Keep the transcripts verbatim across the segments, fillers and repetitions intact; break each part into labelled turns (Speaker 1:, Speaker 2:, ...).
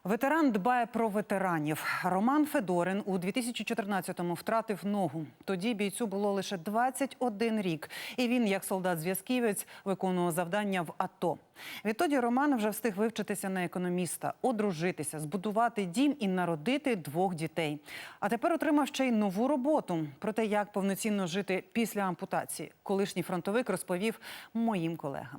Speaker 1: Ветеран дбає про ветеранів. Роман Федорин у дві тисячі чотирнадцятому втратив ногу. Тоді бійцю було лише двадцять один рік. І він, як солдат-зв'язківець, виконував завдання в АТО. Відтоді Роман вже встиг вивчитися на економіста, одружитися, збудувати дім і народити двох дітей. А тепер отримав ще й нову роботу. Про те, як повноцінно жити після ампутації, колишній фронтовик розповів моїм колегам.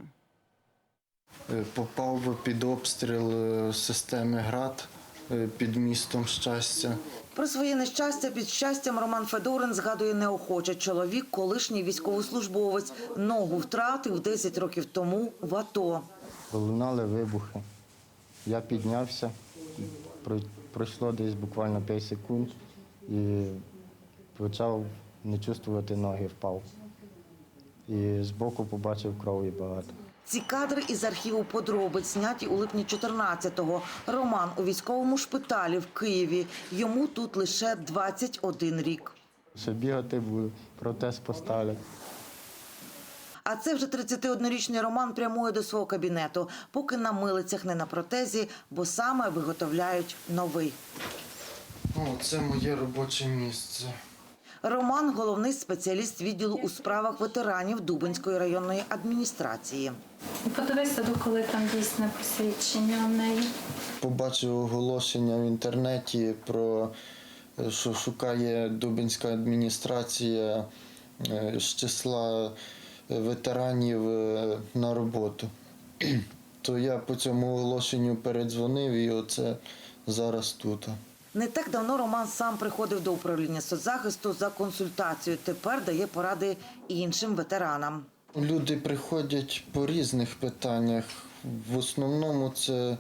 Speaker 2: Попав під обстріл системи «Град» під містом Щастя.
Speaker 3: Про своє нещастя під Щастям Роман Федорин згадує неохоче. Чоловік – колишній військовослужбовець. Ногу втратив десять років тому в АТО.
Speaker 4: Лунали вибухи. Я піднявся, пройшло десь буквально п'ять секунд і почав не чувствувати ноги, впав. І збоку побачив крові багато.
Speaker 3: Ці кадри із архіву подробиць, зняті у липні чотирнадцятого. Роман у військовому шпиталі в Києві. Йому тут лише двадцять один рік.
Speaker 4: Ще бігати буду, протез поставлять.
Speaker 3: А це вже тридцятиоднорічний Роман прямує до свого кабінету, поки на милицях, не на протезі, бо саме виготовляють новий.
Speaker 2: О, це моє робоче місце.
Speaker 3: Роман – головний спеціаліст відділу у справах ветеранів Дубенської районної адміністрації.
Speaker 5: Подивися, коли там дійсне посвідчення в неї.
Speaker 2: Побачив оголошення в інтернеті про, що шукає Дубенська адміністрація з числа ветеранів на роботу. То я по цьому оголошенню передзвонив і оце зараз тут.
Speaker 3: Не так давно Роман сам приходив до управління соцзахисту за консультацією. Тепер дає поради іншим ветеранам.
Speaker 2: Люди приходять по різних питаннях. В основному це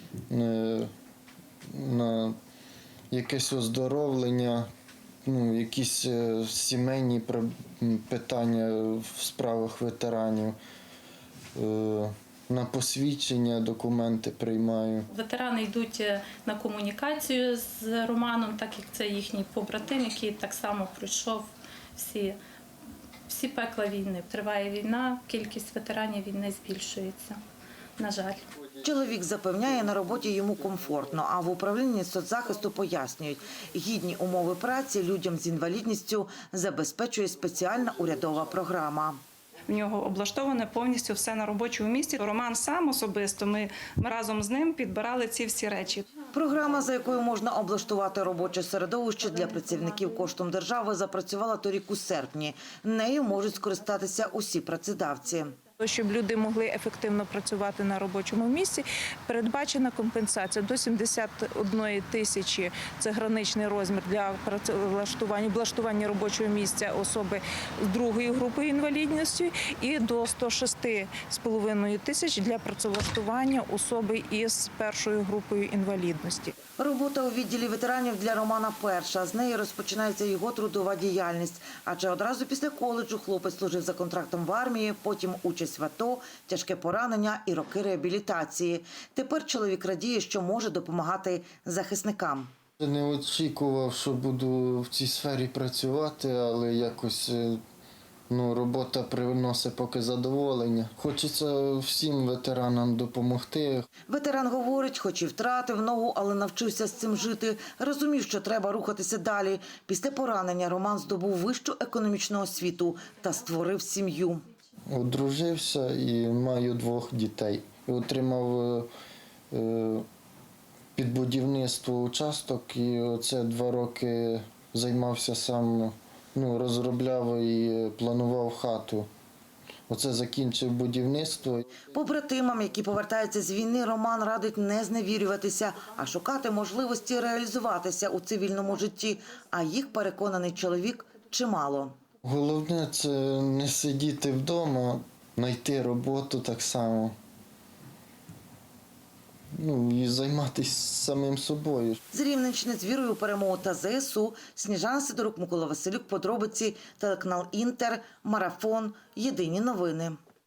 Speaker 2: на якесь оздоровлення, ну, якісь сімейні питання в справах ветеранів. На посвідчення документи приймаю.
Speaker 5: Ветерани йдуть на комунікацію з Романом, так як це їхній побратим, який так само пройшов всі, всі пекла війни. Триває війна, кількість ветеранів війни збільшується, на жаль.
Speaker 3: Чоловік запевняє, на роботі йому комфортно, а в управлінні соцзахисту пояснюють, гідні умови праці людям з інвалідністю забезпечує спеціальна урядова програма.
Speaker 6: В нього облаштоване повністю все на робочому місці. Роман сам особисто, ми, ми разом з ним підбирали ці всі речі.
Speaker 3: Програма, за якою можна облаштувати робоче середовище для працівників коштом держави, запрацювала торік у серпні. Нею можуть скористатися усі працедавці.
Speaker 7: Щоб люди могли ефективно працювати на робочому місці, передбачена компенсація до сімдесят одної тисячі – це граничний розмір для працевлаштування, облаштування робочого місця особи з другою групою інвалідності і до ста шести з половиною тисяч для працевлаштування особи із першою групою інвалідності.
Speaker 3: Робота у відділі ветеранів для Романа перша. З неї розпочинається його трудова діяльність. Адже одразу після коледжу хлопець служив за контрактом в армії, потім участь в АТО, тяжке поранення і роки реабілітації. Тепер чоловік радіє, що може допомагати захисникам.
Speaker 2: Не очікував, що буду в цій сфері працювати, але якось ну, робота приносить поки задоволення. Хочеться всім ветеранам допомогти.
Speaker 3: Ветеран говорить, хоч і втратив ногу, але навчився з цим жити. Розумів, що треба рухатися далі. Після поранення Роман здобув вищу економічну освіту та створив сім'ю.
Speaker 2: Одружився і маю двох дітей. Отримав під будівництво участок і оце два роки займався сам, ну, розробляв і планував хату. Оце закінчив будівництво.
Speaker 3: Побратимам, які повертаються з війни, Роман радить не зневірюватися, а шукати можливості реалізуватися у цивільному житті. А їх, переконаний чоловік, чимало.
Speaker 2: Головне – це не сидіти вдома, знайти роботу так само. Ну, і займатися самим собою.
Speaker 3: З Рівненщини з вірою у перемогу та ЗСУ. Сніжана Сидорук, Микола Василюк, подробиці, телеканал Інтер, Марафон, Єдині новини.